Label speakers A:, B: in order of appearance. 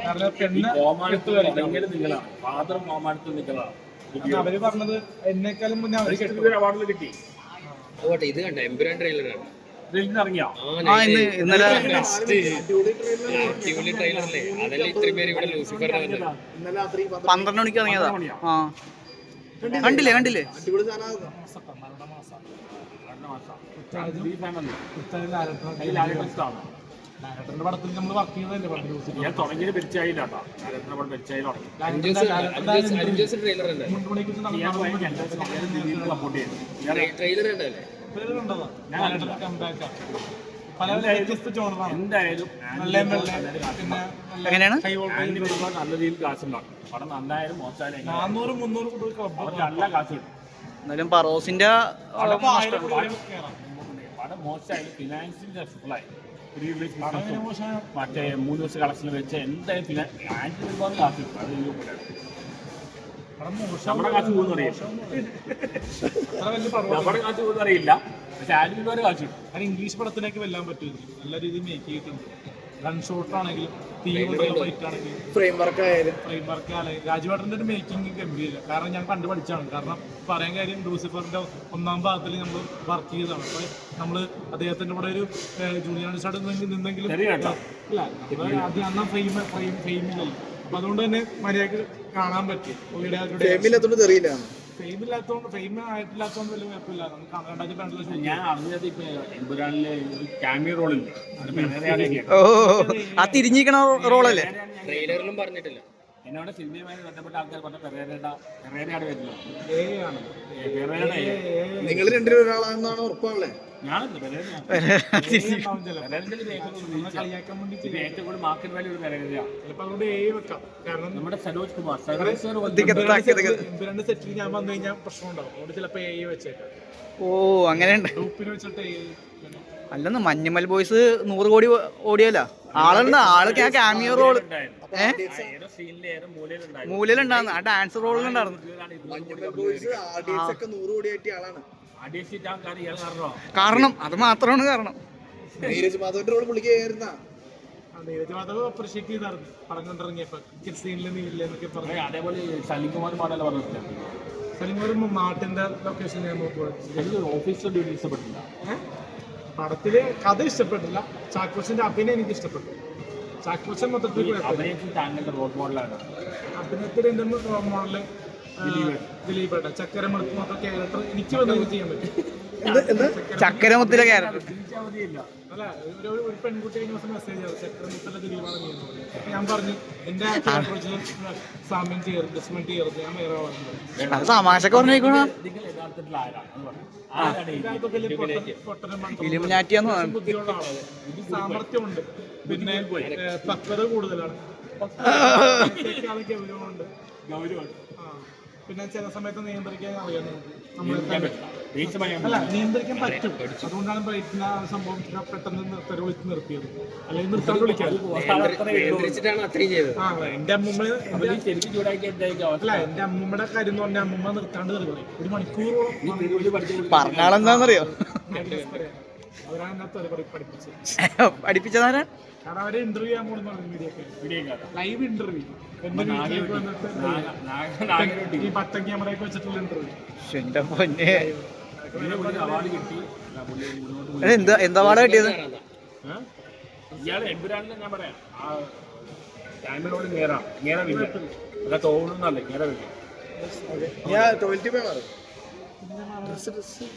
A: അവര് പറഞ്ഞത് എന്നെക്കാളും മുന്നേ അവാർഡ് കിട്ടി.
B: ഇത് കണ്ട എമ്പുരാൻ ട്രെയിലറാണ്
C: ഇന്നലെ
B: ട്രെയിലറല്ലേ അതല്ലേ ഇത്രയും പേര് ഇവിടെ ലൂസിഫറിനെ
C: 12 മണിക്ക് ഇറങ്ങിയതാ. കണ്ടില്ലേ
A: ഡയറക്ടറിന്റെ പടത്തിൽ നമ്മൾ വർക്ക് ചെയ്തതല്ലേ. ഞാൻ തുടങ്ങിയത് പെരിച്ചായില്ല കേട്ടോ. ഡയറക്ടറിന്റെ പടം പെരിച്ചായി തുടങ്ങി. സപ്പോർട്ട് ചെയ്തു. എന്തായാലും
C: എങ്ങനെയാണ്
A: നല്ല രീതിയിൽ കാശുണ്ടാക്കും. പടം നന്നായാലും മോശമായാലും 400-300 നല്ല കാശ് കിട്ടും.
C: എന്നാലും പറോസിന്റെ
A: പടം മോശമായാലും ഫിനാൻഷ്യലി സക്സസ്ഫുള്ളായി. മറ്റേ 3 ദിവസം കളക്ഷൻ വെച്ച് എന്തായാലും ഒരുപാട് കാശ് കിട്ടും. അത് നമ്മുടെ കാശ് പോകുന്ന അറിയില്ല. പക്ഷെ ആരും ഒരുപാട് കാശ് കിട്ടും. കാരണം ഇംഗ്ലീഷ് പടത്തിനൊക്കെ വെല്ലാൻ പറ്റും. നല്ല രീതിയിൽ മേക്ക് ചെയ്തിട്ടുണ്ട്. ഗൺ ഷോട്ട് ആണെങ്കിലും ഫൈറ്റ് ആണെങ്കിലും ഫ്രെയിം വർക്ക് ആയാലും രാജുവേട്ടൻ്റെ ഒരു മേക്കിംഗ് ഗംഭീര. കാരണം ഞാൻ കണ്ടു പഠിച്ചാണ്. കാരണം പറയാൻ കാര്യം ലൂസിഫറിന്റെ 1ാം ഭാഗത്തിൽ നമ്മൾ വർക്ക് ചെയ്തതാണ്. അപ്പോൾ നമ്മൾ അദ്ദേഹത്തിന്റെ കൂടെ ഒരു ജൂനിയർ ആർട്ടിസ്റ്റ് നിന്നെങ്കിലും ആദ്യം അന്നാ ഫെയിമില്ലല്ലോ. അപ്പൊ അതുകൊണ്ട് തന്നെ മര്യാദക്ക് കാണാൻ പറ്റി. ഫെയിം ആയിട്ടില്ലാത്തോണ്ട് വലിയ കുഴപ്പമില്ല. നമുക്ക് ഞാൻ അറിഞ്ഞത് ഇപ്പൊ എമ്പുരാനിലെ ഒരു ക്യാമിയോ റോളില്ല.
C: ആ തിരിഞ്ഞിരിക്കണ റോളല്ലേ
B: ട്രെയിലറിലും പറഞ്ഞിട്ടില്ല.
A: എന്നോട് സിനിമയുമായി ബന്ധപ്പെട്ട ആൾക്കാർ പറഞ്ഞ പെരേരയാണ് വരുന്നത്.
D: നിങ്ങൾ രണ്ടിലും ഒരാളാണെന്നാണ് ഉറപ്പാണല്ലേ?
A: ഞാനല്ല കളിയാക്കാൻ വേണ്ടി ഏറ്റവും കൂടുതൽ മാർക്കറ്റ് വാല്യൂ പെരേരയാണ്. ചിലപ്പോൾ അതുകൊണ്ട് വെക്കാം. കാരണം നമ്മുടെ സരോജ് കുമാർ എമ്പുരാന്റെ സെറ്റിൽ ഞാൻ വന്നു കഴിഞ്ഞാൽ പ്രശ്നം ഉണ്ടാവും. അതുകൊണ്ട് ചിലപ്പോൾ വെച്ചേക്കാം.
C: ഓ അങ്ങനെയുണ്ട്.
A: ഗ്രൂപ്പിൽ വെച്ചിട്ട്
C: അല്ലെന്ന് മഞ്ഞുമൽ ബോയ്സ് 100 കോടി ഓടിയല്ല ആളുണ്ട്. ആളൊക്കെ ആ ക്യാമിയോ റോള് മൂലയിലുണ്ടായിരുന്നു. ആ ഡാൻസ് റോളിലുണ്ടായിരുന്നു. കാരണം അത് മാത്രമാണ് കാരണം.
D: നീരജ് മാധവന്റെ റോൾ പുള്ളിക്കായിരുന്ന
A: നീരജ് മാധവ് അപ്രീഷിയേറ്റ് ചെയ്തായിരുന്നു പടം കണ്ടിറങ്ങിയപ്പോ. സീനില് നീലില്ലെന്നൊക്കെ പറഞ്ഞു. അതേപോലെ സലിംകുമാർ പാടല്ല പറഞ്ഞിട്ടില്ല. സലിംകുമാർ നാട്ടിന്റെ ലൊക്കേഷൻ ഞാൻ നോക്കുക. ഓഫീസർ ഡ്യൂട്ടി ഇഷ്ടപ്പെട്ടില്ല. പടത്തില് കഥ ഇഷ്ടപ്പെട്ടില്ല. ചാക്കോച്ചന്റെ അഭിനയം എനിക്ക് ഇഷ്ടപ്പെട്ടു. ചാക്കോച്ചൻ മൊത്തത്തിൽ താങ്കളുടെ റോൾ മോഡലാണ്. അഭിനയത്തിൽ എന്റെ റോൾ മോഡല് ദിലീപേട്ട. ചക്കരമുളത്ത് മൊത്തം ക്യാരക്ടർ എനിക്ക് വന്നത് ചെയ്യാൻ പറ്റും.
C: ചക്കരമുത്തിലെ ക്യാരക്ടർ
A: അല്ല ഒരു പെൺകുട്ടി കഴിഞ്ഞ ദിവസം മെസ്സേജ് ചെയ്തു ചക്കരമുത്തിലെ ദിലീപാണ് ചെയ്യുന്നത്. ഞാൻ പറഞ്ഞു എന്റെ സാമ്യം ചെയ്യരുത്, അഡ്ജസ്റ്റ്മെന്റ് ചെയ്യരുത്, ഞാൻ വേറെ
C: അത് തമാശക്ക് പറഞ്ഞേക്കണ
A: ബുദ്ധിയുള്ള ആളാണ്. സാമർത്ഥ്യമുണ്ട്. പിന്നെ പക്വത കൂടുതലാണ്. ഗൗരവമുണ്ട്. പിന്നെ ചില സമയത്ത് നിയന്ത്രിക്കാൻ അറിയാം. അല്ല നിയന്ത്രിക്കാൻ പറ്റും. അതുകൊണ്ടാണ് ബ്രൈറ്റിന് ആ സംഭവം പെട്ടെന്ന് വിളിച്ച് നിർത്തിയത്. അല്ലെങ്കിൽ നിർത്താൻ വിളിക്കാം. എന്റെ അമ്മൂമ്മ അല്ല എന്റെ അമ്മൂമ്മയുടെ കാര്യം എന്ന് പറഞ്ഞാൽ അമ്മൂമ്മ നിർത്താണ്ട് നിർത്തി. ഒരു മണിക്കൂറോളം
C: പറഞ്ഞാളെന്താന്നറിയോ
A: അവരാണ്
C: പഠിപ്പിച്ചതാരാ?
A: കാരണം അവരെ ഇന്റർവ്യൂ ചെയ്യാൻ പോകുന്ന ലൈവ് ഇന്റർവ്യൂ. എന്റെ വീട്ടിലേക്ക് വന്നിട്ട് ഈ 10 ക്യാമറയൊക്കെ വെച്ചിട്ടുള്ള ഇന്റർവ്യൂ.
C: എന്താ അവാർഡ് കിട്ടിയത്?
A: ഇയാള് എമ്പുരാനിൽ ഞാൻ പറയാം ക്യാമറയോട് നേരെ തോന്നുന്നല്ലേ നേരെ